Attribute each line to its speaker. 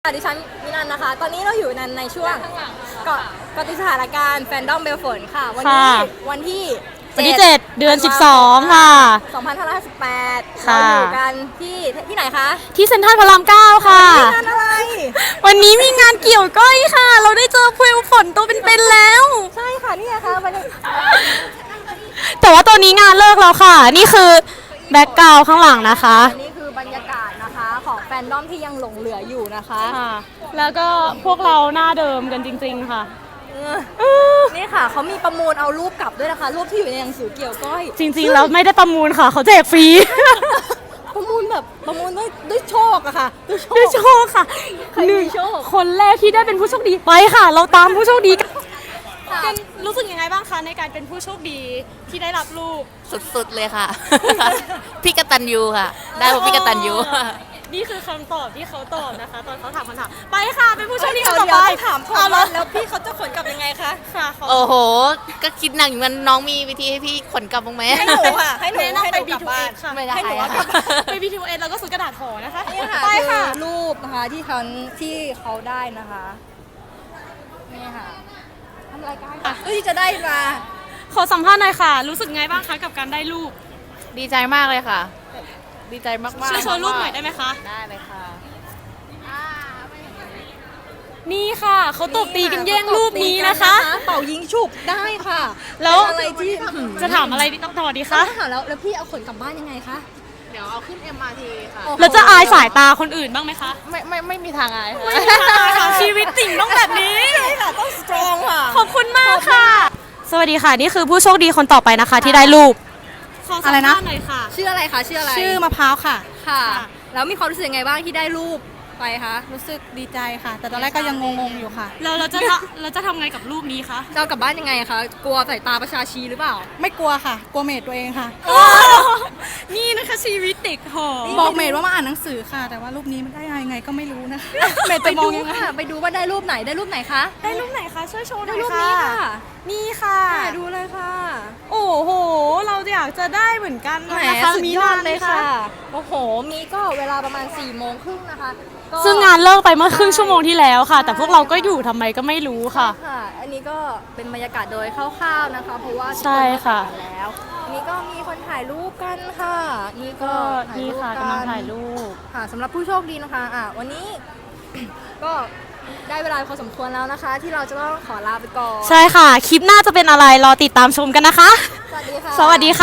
Speaker 1: ดิฉันมินันนะคะ ตอนนี้เราอยู่ในช่วงเกาะติดสถานการณ์แฟนดอมเบลฝนค่ะ วันนี้วันที่
Speaker 2: 7 เดือน 12 ค่ะ
Speaker 1: 2558เราอยู่กันที่ไหนคะ
Speaker 2: ที่เซ็นทรัลพระราม 9 ค่ะ
Speaker 1: งานอะไร
Speaker 2: วันนี้มีงานเกี่ยวก้อยค่ะ เราได้เจอเพลฝนตัวเป็นๆแล้ว
Speaker 1: ใช่ค่ะนี่ค่ะวันนี้
Speaker 2: แต่ว่าตอนนี้งานเลิกแล้วค่ะ นี่คือแบ็คกราวด์ข้างหลังนะคะ
Speaker 1: นี่คือบรรยากาศนะคะของแฟนดอมที่ยังหลงเหลืออยู่นะคะ
Speaker 2: ค่ะ แล้วก็พวกเราหน้าเดิมกันจริงๆค่ะ
Speaker 1: นี่ค่ะเขามีประมูลเอารูปกลับด้วยนะคะ รูปที่อยู่ในหนังสือเกี่ยวก้อย
Speaker 2: จริงๆแล้วไม่ได้ประมูลค่ะ เขาแจกฟรี
Speaker 1: ประมูลด้วยโชคอะค่ะด้วยโช
Speaker 2: ด้วย
Speaker 1: ค
Speaker 2: โชคค่ะ
Speaker 1: ใครมีโชค
Speaker 2: คนแรกที่ได้เป็นผู้โชคดีไปค่ะ เราตามผู้โชคดีกันรู้สึกยังไงบ้างคะในการเป็นผู้โชคดีที่ได้รับลูก
Speaker 3: สุดๆเลยค่ะ พี่กตัญญูค่ะ ได้เพราะพี่กตัญญู
Speaker 2: นี่คือคำตอบที่เขาตอบนะคะ ตอนเขาถามคำถามไปค่ะเป็นผู้โชคดี
Speaker 1: เดี๋
Speaker 2: คน
Speaker 1: ยว
Speaker 2: ต่อไป
Speaker 1: ถามก่อน
Speaker 2: เอาละ
Speaker 1: แล้วพี่เขาจะขนกลับยังไงคะ
Speaker 2: ค่ะเขา
Speaker 3: โอ้โห ก็คิดหนักอยู่มันน้องมีวิธีให้พี่ขนกลับบ้างไหม
Speaker 1: ให้หนูค่ะให้หนู
Speaker 2: แนะนำไป
Speaker 1: กลับบ้าน
Speaker 2: B2S ค่ะ
Speaker 3: ไม่ได้
Speaker 1: ให้หนู
Speaker 3: อะ
Speaker 1: กลับบ้าน
Speaker 2: ไป B2S แล้วก็ซื้อกระดาษห่อนะคะ
Speaker 1: นี่ค่ะ
Speaker 2: ไปค่ะ
Speaker 1: คือรูปนะคะที่เขาได้นะคะนี่ค่ะทำรายการค่ะเพื่อที่จะได้มา
Speaker 2: ขอสัมภาษณ์หน่อยค่ะ รู้สึกไงบ้างคะกับการได้ลูก
Speaker 3: ดีใจมากเลยค่ะ ดีใจมากๆ
Speaker 2: ช่วยโชว์รูปหน่อยได้ไหมคะ
Speaker 3: ได้เลยค่ะ
Speaker 2: นี่ค่ะเขาตบตีกันแย่งรูปนี้นะคะ
Speaker 1: เป่ายิงฉุบได้ค่ะ
Speaker 2: แล้ว
Speaker 1: เป็นอะไรที่
Speaker 2: จะถามอะไรต้องต่อดีคะ
Speaker 1: ถามแล้วพี่เอาขนกลับบ้านยังไงคะ
Speaker 3: เดี๋ยวเอาขึ้น MRT ค่ะ
Speaker 2: แล้วจะอายสายตาคนอื่นบ้างไหมคะ
Speaker 3: ไม่มีทางอายค่ะ
Speaker 2: ไม่ค่ะชีวิตจริงต้องแบบนี้
Speaker 1: ใช่ค่ะต้องสตรองค่ะ
Speaker 2: ขอบคุณมากค่ะ สวัสดีค่ะ นี่คือผู้โชคดีคนต่อไปนะคะ ที่ได้รูปขอสัมภาษณ์หน่อยค่ะ
Speaker 1: ชื่ออะไรคะชื่ออะไร
Speaker 4: ชื่อมะพร้าวค่ะ
Speaker 1: ค่ะ
Speaker 2: ค่ะ
Speaker 1: แล้วมีความรู้สึกยังไงบ้างที่ได้รูปไปคะ
Speaker 4: รู้สึกดีใจค่ะ แต่ตอนแรกก็ยังงงๆอยู่ค่ะ
Speaker 2: เราจะทำไงกับรูปนี้คะ
Speaker 1: จะเอากลับบ้านยังไงคะกลัวสายตาประชาชีหรือเปล่า
Speaker 4: ไม่กลัวค่ะ กลัวเมดตัวเองค่ะ
Speaker 2: นี่นะคะชีวิตเด็กหอ
Speaker 4: บอกเมดว่ามาอ่านหนังสือค่ะ แต่ว่ารูปนี้มันได้ยังไงก็ไม่รู้นะคะ เมด
Speaker 1: ไป
Speaker 4: จะมอ
Speaker 1: ดู
Speaker 4: งยังไง
Speaker 1: ค่ะไปดูว่าได้รูปไหนได้รูปไหนคะ
Speaker 2: ได้รูปไหนคะช่วยโชว์หน่
Speaker 1: ได้
Speaker 2: อย
Speaker 1: รูป
Speaker 2: ค่ะ
Speaker 1: นี้ค่ะ
Speaker 2: นี่ค่ะ
Speaker 1: ดูเลยค่ะ
Speaker 2: โอ้โห เราอยากจะได้เหมือนกัน
Speaker 1: แหม
Speaker 2: นะคะ
Speaker 1: สุด
Speaker 2: มี
Speaker 1: ยอด
Speaker 2: นาน
Speaker 1: เลยค่ะโอ้โหมีก็เวลาประมาณ4 โมงครึ่งนะคะก็
Speaker 2: ซึ่งงานเลิกไปเมื่อครึ่งชั่วโมงที่แล้วค่ะ แต่พวกเราก็อยู่ทำไมก็ไม่รู้ค่ะ
Speaker 1: ค่ะ อันนี้ก็เป็นบรรยากาศโดยคร่าวๆนะคะ เพราะว่า
Speaker 2: ใช่ค่ะ
Speaker 1: ทุกนก็ถ่ายแล้วอันนี้ก็มีคนถ่ายรูปกันค่ะ นี่ก็
Speaker 2: ก็นี่ค่ะกำลังถ่ายรูป
Speaker 1: ค่ะสำหรับผู้โชคดีนะคะวันนี้ ก็ได้เวลาพอสมควรแล้วนะคะ ที่เราจะต้องขอลาไปก่อน
Speaker 2: ใช่ค่ะ คลิปหน้าจะเป็นอะไรรอติดตามชมกันนะคะ
Speaker 1: สวัสดีค่ะ
Speaker 2: สวัสดีค่ะ